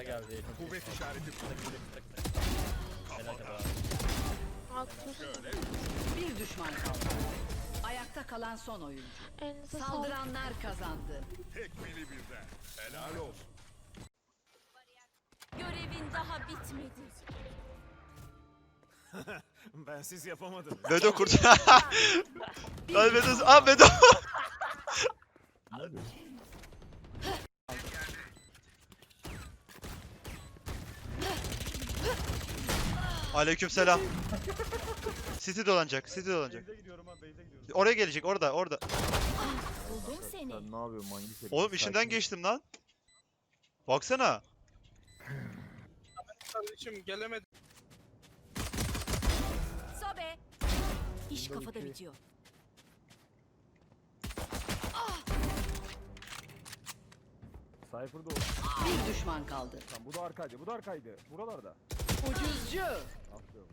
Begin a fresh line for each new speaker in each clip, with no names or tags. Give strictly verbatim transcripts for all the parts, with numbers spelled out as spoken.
Kısa geldi.
Kuvvet işareti.
Helal kadar.
Bir düşman kaldı. Ayakta kalan son oyuncu.
Elinize sağlık.
Saldıranlar kazandı.
Tekmili birden. Helal olsun.
Görevin daha bitmedi.
Ben siz yapamadınız.
Bedo kurt. Lan Bedo. Aa Bedo. Aleykümselam. City dolanacak. City dolanacak. Oraya gelecek. Orada, orada.
Buldum seni.
Sen ne yapıyorsun manyak herif?
Oğlum işinden
Sakin.
geçtim lan. Baksana.
Kardeşim gelemedim.
Sobe. İş kafada bitiyor.
Cypher'da o.
Bir düşman kaldı.
Tamam, bu da arkaydı, bu da arkaydı. Buralarda.
Ucuzcu.
Aferin.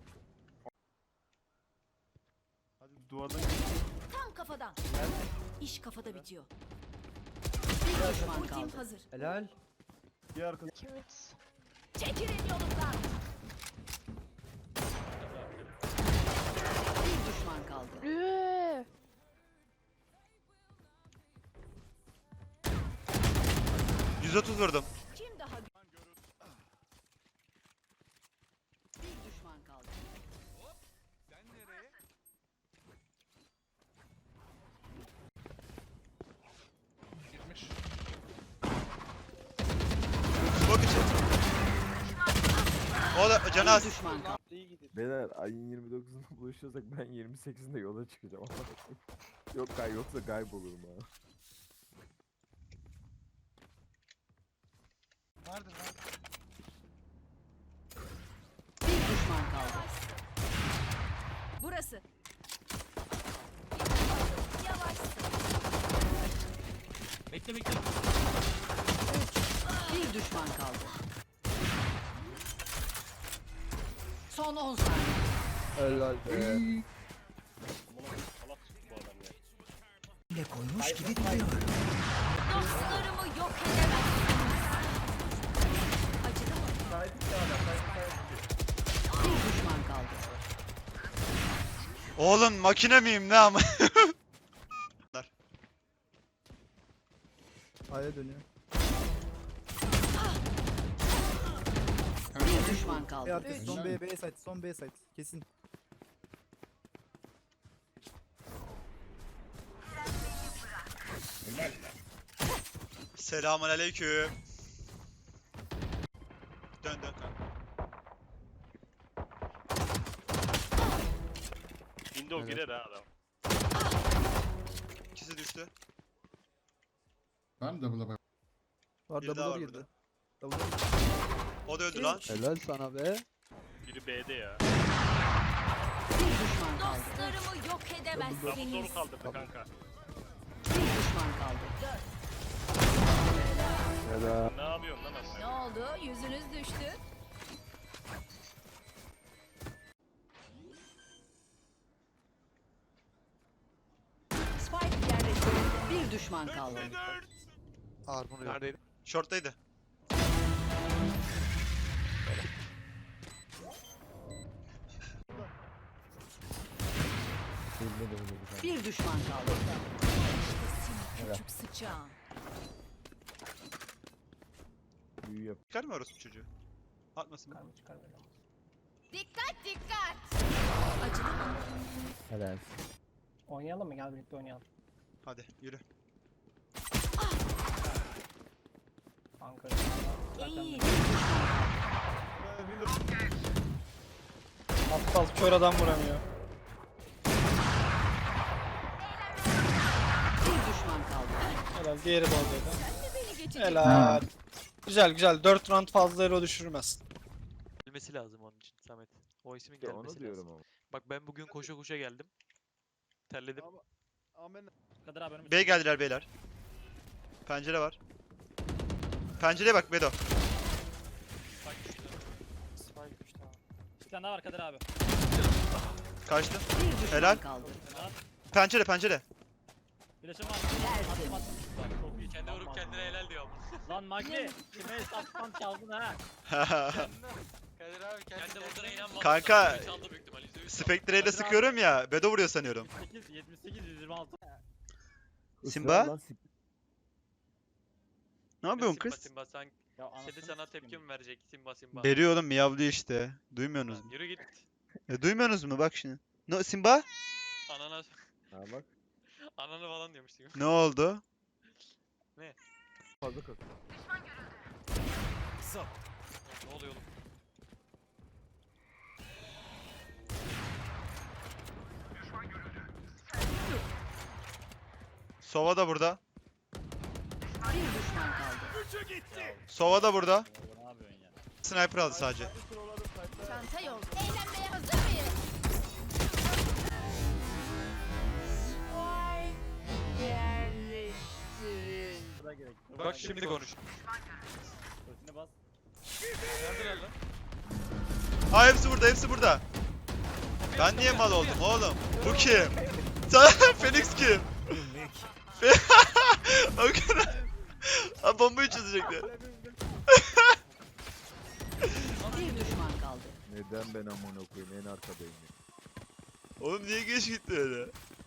Hadi duvardan
Tam kafadan. İş kafada bitiyor.
Bir düşman
Ultim
kaldı.
hazır.
Helal.
bir arkası.
Çekilin yolumdan.
Bir düşman kaldı.
Üü.
yüz otuz vurdum.
Kim daha Bir düşman kaldı.
Sen nereye?
Girmiş.
Bak için. O da canı
Bir
az.
düşman kaldı.
İyi gidiyor.
Beyler ayın yirmi dokuzunda buluşuyorsak ben yirmi sekizinde yola çıkacağım. Yok gay yoksa kaybolurum ha.
Vardır lan.
Bir düşman kaldı.
Burası. Yavaş.
Bekle bekle.
Bir düşman kaldı. Son on saniye.
Helal be.
Dostlarımı yok edemezsiniz. Acıdı mı?
Bir düşman kaldı.
Oğlum makine miyim ne ama?
A'ya dönüyor.
Bir düşman
B
kaldı.
arkası son B, B site, son B site. Kesin.
Selamun aleyküm. Dön dön.
Window girer ha adam.
İkisi düştü.
Var
Bir daha
double'lar
var
girdi.
burada.
Double'lar girdi.
O da öldü lan.
Helal sana be.
Biri B'de ya.
Bir düşman kaldı.
Dostlarımı yok edemezsiniz.
Soru kaldırdı kanka.
Bir düşman kaldı.
Helal.
Ne yapıyorsun lan aslında?
Ne oldu? Yüzünüz düştü.
Spike yerleştirildi. Bir düşman kaldı.
Neredeydi?
Short'taydı.
Bir düşman kaldı.
Küçük sıçağım.
Büyü yap.
Çıkar mı orası çocuğu? Atmasın.
Dikkat dikkat. Acıdı mı?
Helal.
Oynayalım mı? Gel birlikte oynayalım.
Hadi yürü.
Kanka.
İyi.
Aptal kör adam vuramıyor.
Bir düşman kaldı.
Helal diğeri de oradaydı.
Beni geçecek.
Helal. Güzel güzel. dört round fazla ero düşürmez.
Gelmesi lazım onun için Samet. O ismin
İşte
gelmesi
onu diyorum
lazım.
ama.
Bak ben bugün koşa koşa geldim. Terledim.
Kadir abi önümüzde.
B geldiler beyler. Pencere var. Pencereye bak Bedo.
Spike düştü.
Spike düştü abi. Bir tane daha var Kadir abi.
Kaçtı.
Bir düşman
Helal.
kaldı.
Pencere pencere.
Birleşim var.
Tertemiz.
Attım attım.
Çok iyi. Kendi vurup kendine helal diyor ama.
Lan Magni kime hesaptan çaldın ha?
Kadir abi kendi vurduğuna inanmadım.
Kanka,
Çaldı büyük ihtimalle. yüzde yüz çaldı.
Spectre ile sıkıyorum ya. Bedo vuruyor sanıyorum.
yetmiş sekiz, yetmiş sekiz, yüz yirmi altı.
Simba?
Israr lan, sip-
Ne yapıyorsun
Simba,
kız?
Simba sen
Ya
kedi
anasını
sana
sikeyim.
tepki mi verecek? Simba Simba.
Veriyor oğlum, miyavlıyor işte. Duymuyorsunuz mu?
Yürü git.
E, duymuyorsunuz mu? Bak şimdi. No, Simba?
Anana
Ha bak.
ananı falan diyormuştum.
Ne oldu?
Fazla kalk.
Ne oluyor oğlum?
Sova da burada.
Bir düşman kaldı.
Üçü gitti.
Sova da burada.
Ne yapıyorsun ya?
Sniper aldı sadece.
Çanta yolda. Eğlenmeye hazır mıyız?
Sıra gerek.
Bak şimdi konuş.
Sesine bas.
Neredeler lan?
Aa, hepsi burada, hepsi burada. Ben niye mal oldum oğlum? Bu kim? Sen Phoenix kim? O kadar. Ha, bombayı çözecekler.
Bir düşman kaldı.
Neden ben amına koyayım en arkadayım ya.
Oğlum niye geç gitti öyle?